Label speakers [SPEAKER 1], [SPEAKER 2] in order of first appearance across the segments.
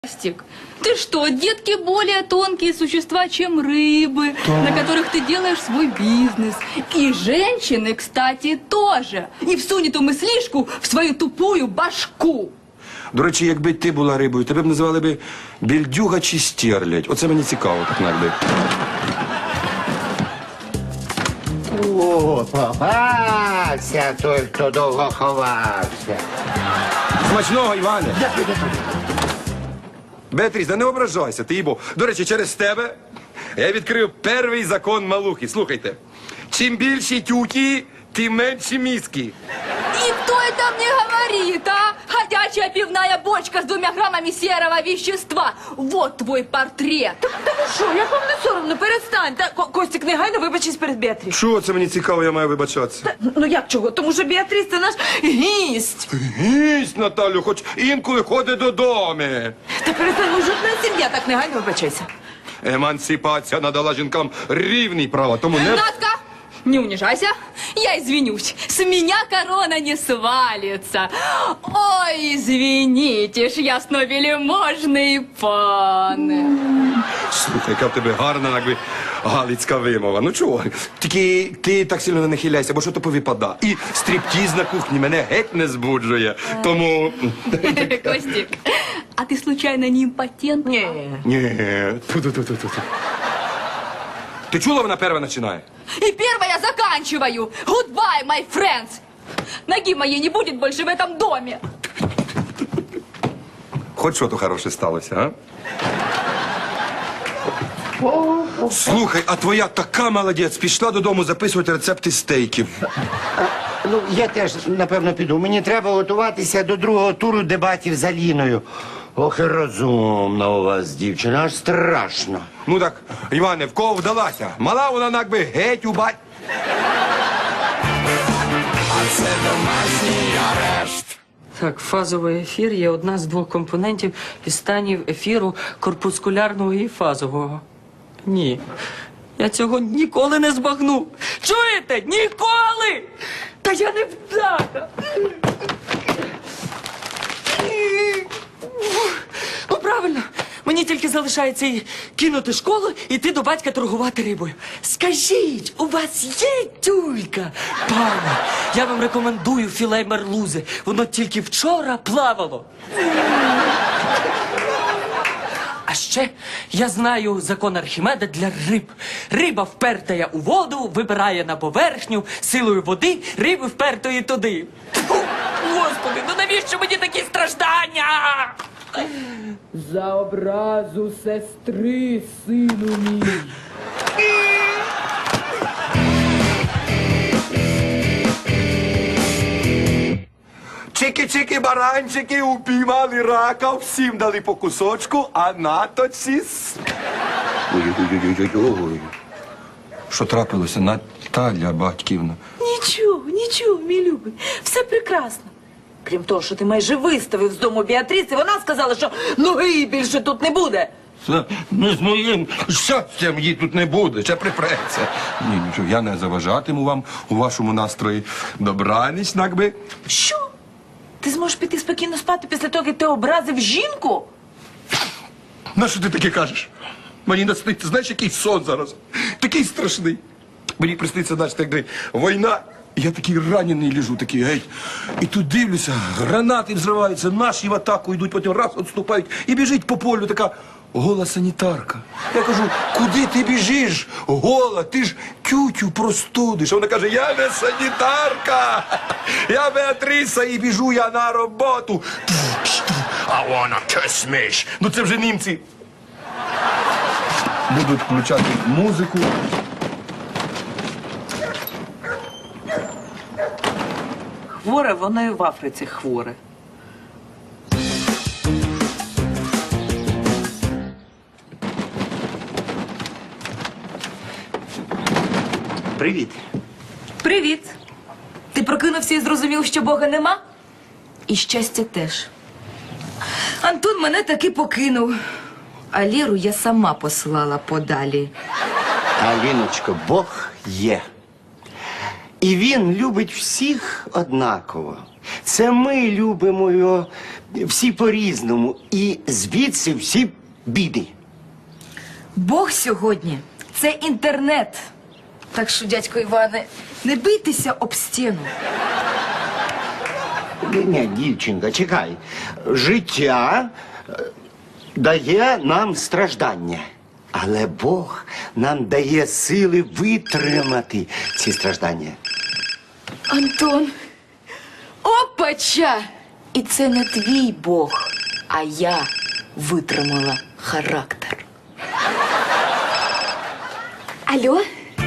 [SPEAKER 1] Костик, ты что, детки более тонкие существа, чем рыбы, на которых ты делаешь свой бизнес. И женщины, кстати, тоже. И всунет эту мыслишку в свою тупую башку.
[SPEAKER 2] До речі, якби ти була рибою, тебе б називали би більдюга чи стерлядь. Оце мені цікаво, так навіть.
[SPEAKER 3] О, попався той, хто довго ховався.
[SPEAKER 2] Смачного, Іване! Беатріс, да не ображайся, ти їбо. До речі, через тебе я відкрив перший закон Малухи. Слухайте. Чим більші тюки, тим менші мізки.
[SPEAKER 1] И кто это мне говорит, а? Ходячая пивная бочка с 2 граммами серого вещества. Вот твой портрет.
[SPEAKER 4] Та ви що, як вам не соромно? Перестань. Костік, негайно вибачись перед Біатріс.
[SPEAKER 2] Чого це мені цікаво, я маю вибачатися?
[SPEAKER 4] Ну як чого? Тому що Біатріс – це наш гість.
[SPEAKER 2] Гість, Наталю, хоч інколи ходить додому.
[SPEAKER 4] Та перестань, ми ж одна сім'я, так негайно вибачайся.
[SPEAKER 2] Емансипація надала жінкам рівні права, тому не...
[SPEAKER 1] Натка, не унижайся. Я извинюсь. С меня корона не свалится. Ой, извините ж, ясновельможний пане.
[SPEAKER 2] Слухай, яка в тебе гарна, якби, галицька вимова. Ну чого? Тільки ти так сильно не нахиляйся, бо що то повипада. І стріптіз на кухні мене геть не збуджує. Тому...
[SPEAKER 1] Костик, а ты случайно не импотент?
[SPEAKER 4] Ні.
[SPEAKER 2] Ні. Ту-ту-ту-ту-ту. Ти чула, вона перша починає?
[SPEAKER 1] И первое заканчиваю. Goodbye, my friends. Ноги моей не будет больше в этом доме.
[SPEAKER 2] Хоч що то хороше сталося, а? Слухай, а твоя така молодець, пішла додому записувати рецепти стейків.
[SPEAKER 3] Ну, я теж, напевно, піду. Мені треба готуватися до другого туру дебатів з Аліною. Ох, і розумна у вас, дівчина, аж страшно.
[SPEAKER 2] Ну так, Іване, в кого вдалася? Мала вона якби геть у бать.
[SPEAKER 5] Так, фазовий ефір є одна з 2 компонентів із станів ефіру корпускулярного і фазового. Ні, я цього ніколи не збагну. Чуєте? Ніколи! Та я не вдаха! Ну, правильно. Мені тільки залишається і кинути школу і йти до батька торгувати рибою. Скажіть, у вас є тюлька? Пане, я вам рекомендую філе мерлузи. Воно тільки вчора плавало. А ще я знаю закон Архімеда для риб. Риба впертая у воду, вибирає на поверхню, силою води риби впертої туди. Тьфу, Господи, ну навіщо мені такі страждання? За образу сестри, сину мій.
[SPEAKER 2] Чики-чики, баранчики, упіймали рака, всім дали по кусочку, а наточці... Ой-ой-ой-ой-ой. Що трапилося, Наталя Батьківна?
[SPEAKER 4] Нічого, мій любий. Все прекрасно. Крім того, що ти майже виставив з дому Біатріс, і вона сказала, що ноги більше тут не буде.
[SPEAKER 2] Це не з моїм щастям її тут не буде, ще припреться. Ні, нічого, я не заважатиму вам у вашому настрої. Добраніч, якби.
[SPEAKER 4] Що? Ти зможеш піти спокійно спати після того, як ти образив жінку?
[SPEAKER 2] На що ти таке кажеш? Мені насниться, знаєш, який сон зараз? Такий страшний. Мені присниться, значить, якби війна. Я такий ранений лежу, такий геть. І тут дивлюся, гранати взриваються, наші в атаку йдуть, потім раз відступають і біжить по полю така гола санітарка. Я кажу, куди ти біжиш? Гола, ти ж тютю простудиш. А вона каже, я не санітарка, я Беатріса і біжу я на роботу. I wanna kiss me. Ну це вже німці. Будуть включати музику.
[SPEAKER 4] Хворе, воно і в Африці хворе.
[SPEAKER 3] Привіт.
[SPEAKER 4] Привіт. Ти прокинувся і зрозумів, що Бога нема? І щастя теж. Антон мене таки покинув. А Ліру я сама послала подалі.
[SPEAKER 3] Аліночко, Бог є. І він любить всіх однаково. Це ми любимо його всі по-різному. І звідси всі біди.
[SPEAKER 4] Бог сьогодні це інтернет. Так що, дядько Іване, не бийтеся об стіну.
[SPEAKER 3] Ні, дівчинка, чекай. Життя дає нам страждання. Але Бог нам дає сили витримати ці страждання.
[SPEAKER 4] Антон, опача! І це не твій Бог, а я витримала характер. Алло?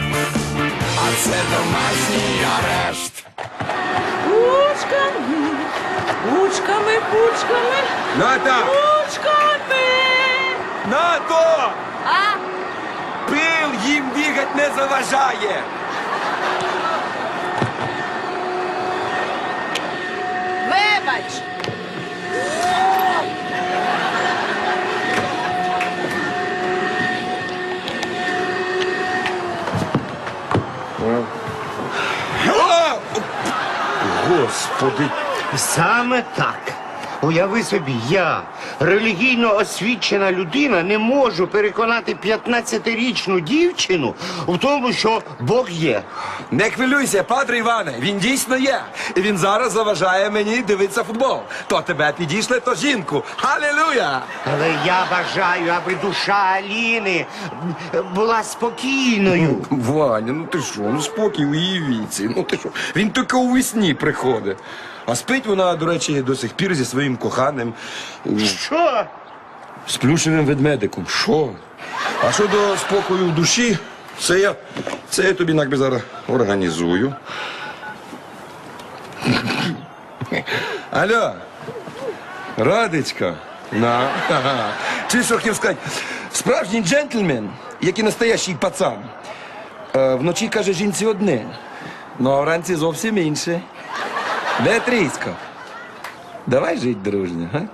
[SPEAKER 5] Пучками, пучками,
[SPEAKER 2] Ната!
[SPEAKER 5] пучками!
[SPEAKER 2] Нато!
[SPEAKER 1] А?
[SPEAKER 2] Пил їм бігать не заважає!
[SPEAKER 1] Вибач!
[SPEAKER 2] О!
[SPEAKER 3] Господи, саме так. Уяви собі, я, релігійно освічена людина, не можу переконати 15-річну дівчину в тому, що Бог є.
[SPEAKER 2] Не хвилюйся, падре Іване, він дійсно є. І він зараз заважає мені дивитися футбол. То тебе підійшли, то жінку. Халілуя!
[SPEAKER 3] Але я бажаю, аби душа Аліни була спокійною.
[SPEAKER 2] Ваня, ну ти що, ну спокій у її віці. Ну ти що, він тільки у весні приходить. А спить вона, до речі, до сих пір зі своїм коханим
[SPEAKER 3] Що?
[SPEAKER 2] сплющеним ведмедиком. Що? А щодо спокою в душі, це я тобі якби зараз організую. Алло, Радечка. На. Ага. Чи що хотів сказати? Справжній джентльмен, як і настоящий пацан, вночі каже жінці одне, ну а вранці зовсім інше. Де трісько? Давай жить дружньо, га?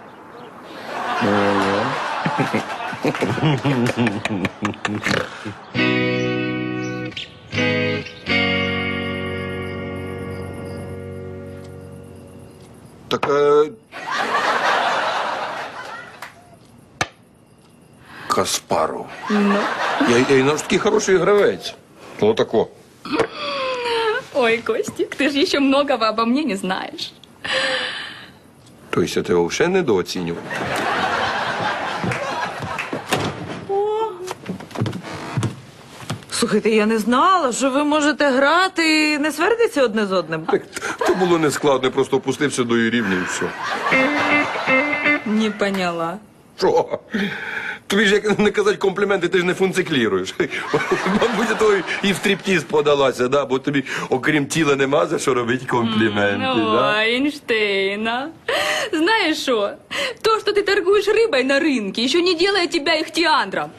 [SPEAKER 2] Так, Каспаров.
[SPEAKER 1] Ну?
[SPEAKER 2] Я наш такий хороший гравець. Отако.
[SPEAKER 1] Ой, Костик, ты же еще многого обо мне не знаешь.
[SPEAKER 2] Тобто я тебе взагалі недооцінював.
[SPEAKER 6] Слухайте, я не знала, що ви можете грати і не свердиться одне з одним.
[SPEAKER 2] То було нескладно, я просто опустився до її рівня і все.
[SPEAKER 1] Не поняла.
[SPEAKER 2] Що? Тобі ж як не казати компліменти, ти ж не функцікліруєш. Мабуть, то і в стріптіз подалася, да? Бо тобі, окрім тіла, нема за що робити компліменти. Да?
[SPEAKER 1] Ой, Эйнштейн, а? Знаешь что? То, что ты торгуешь рыбой на рынке, еще не делает тебя ихтиандром.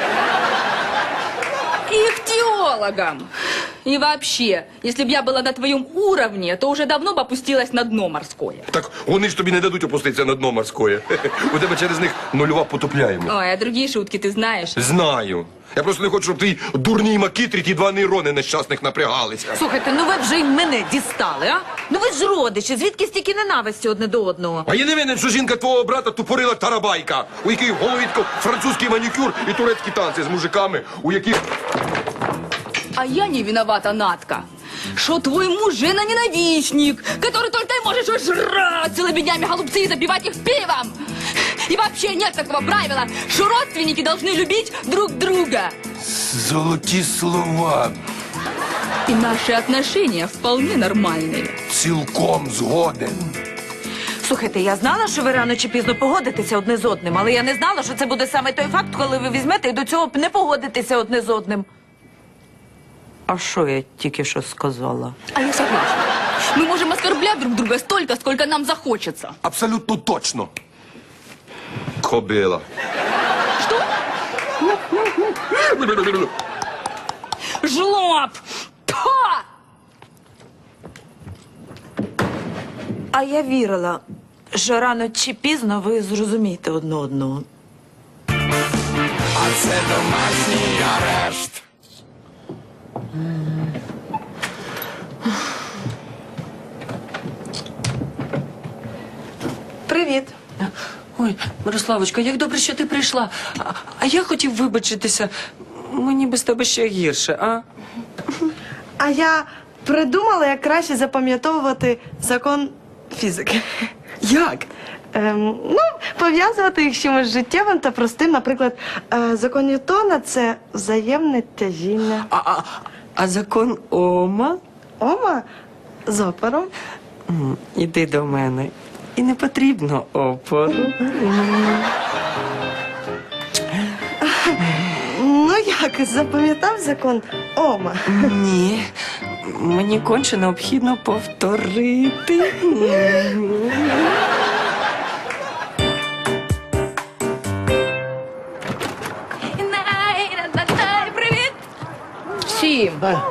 [SPEAKER 1] Ихтиологом. И вообще, если бы я была на твоем уровне, то уже давно бы опустилась на дно морское.
[SPEAKER 2] Так вони ж тобі не дадуть опуститися на дно морське. У тебе через них нульова потопляємо.
[SPEAKER 1] Ой, а другие шутки ты знаешь?
[SPEAKER 2] Знаю. Я просто не хочу, щоб ти дурні макітрі, ті два нейрони нещасних напрягалися.
[SPEAKER 6] Слухайте, ну ви вже й мене дістали, а? Ну ви ж родичі, звідки стільки ненависті одне до одного?
[SPEAKER 2] А я не винен, що жінка твого брата тупорила тарабайка, у якій в голові французький манікюр і турецькі танці з мужиками, у яких...
[SPEAKER 1] А я не виновата, Натка, что твой муж жена-ненавистник, который только и можешь жрать целыми днями голубцы и запивать их пивом. И вообще нет такого правила, что родственники должны любить друг друга.
[SPEAKER 2] Золоті слова.
[SPEAKER 1] И наши отношения вполне нормальные.
[SPEAKER 2] Цілком згоден.
[SPEAKER 6] Слухайте, я знала, що ви рано чи пізно погодитеся одне з одним, але я не знала, що це буде саме той факт, коли ви візьмете і до цього не погодитеся одне з одним. А що я тільки що сказала?
[SPEAKER 1] А я согласна. Мы можем оскорблять друг друга столько, сколько нам захочется.
[SPEAKER 2] Абсолютно точно. Кобила.
[SPEAKER 1] Что? Жлоб! Па!
[SPEAKER 6] А я вірила, що рано чи пізно ви зрозумієте одне одного.
[SPEAKER 2] А це домашній арешт.
[SPEAKER 6] Привіт.
[SPEAKER 5] Ой, Мирославочка, як добре, що ти прийшла. А я хотів вибачитися. Мені без тебе ще гірше, а?
[SPEAKER 7] А я придумала, як краще запам'ятовувати закон фізики.
[SPEAKER 5] Як?
[SPEAKER 7] Ну, пов'язувати їх з чимось життєвим та простим. Наприклад, закон Ньютона – це взаємне тяжіння.
[SPEAKER 5] А закон Ома?
[SPEAKER 7] Ома з опором.
[SPEAKER 5] Іди до мене. І не потрібно опору.
[SPEAKER 7] Ну як, запам'ятав закон Ома?
[SPEAKER 5] Ні. Мені конче необхідно повторити.
[SPEAKER 1] Привіт!
[SPEAKER 4] Всім.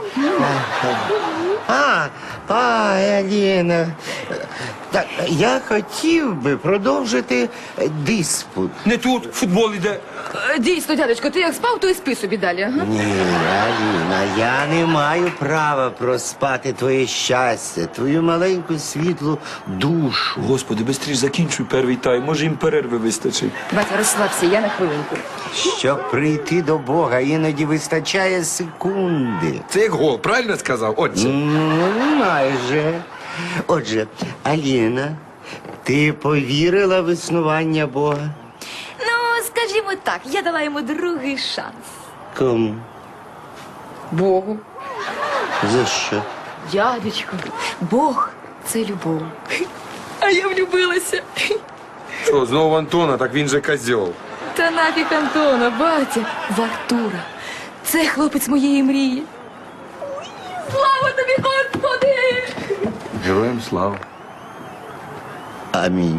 [SPEAKER 3] Аліна. Так, я хотів би продовжити диспут.
[SPEAKER 2] Не тут, футбол іде.
[SPEAKER 4] Дійсно, дядечко, ти як спав, то і спи собі далі. Ага.
[SPEAKER 3] Ні, Аліна, я не маю права проспати твоє щастя, твою маленьку світлу душу.
[SPEAKER 8] Господи, бистріш закінчуй перший тайм, може їм перерви вистачить.
[SPEAKER 4] Батя, розслабся, я на хвилинку.
[SPEAKER 3] Щоб прийти до Бога, іноді вистачає секунди.
[SPEAKER 2] Це як гол, правильно сказав, отче?
[SPEAKER 3] Ну, майже. Отже, Аліна, ти повірила в існування Бога?
[SPEAKER 1] Ну, скажімо так, я дала йому другий шанс.
[SPEAKER 3] Кому?
[SPEAKER 4] Богу.
[SPEAKER 3] За що?
[SPEAKER 1] Дядечко, Бог це любов. А я влюбилася.
[SPEAKER 2] Що, знову Антона, так він же козьол.
[SPEAKER 1] Та нафіг Антона, батя, в Артура. Це хлопець моєї мрії. Слава тобі, Господи!
[SPEAKER 8] Героям слава.
[SPEAKER 3] Амінь.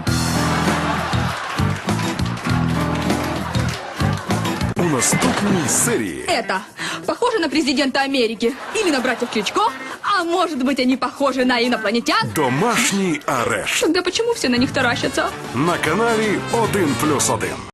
[SPEAKER 9] У наступній серії
[SPEAKER 1] Это похоже на президента Америки или на братьев Кличко, а может быть они похожи на инопланетян?
[SPEAKER 9] домашній арешт
[SPEAKER 1] Тогда почему все на них таращатся?
[SPEAKER 9] на каналі 1+1.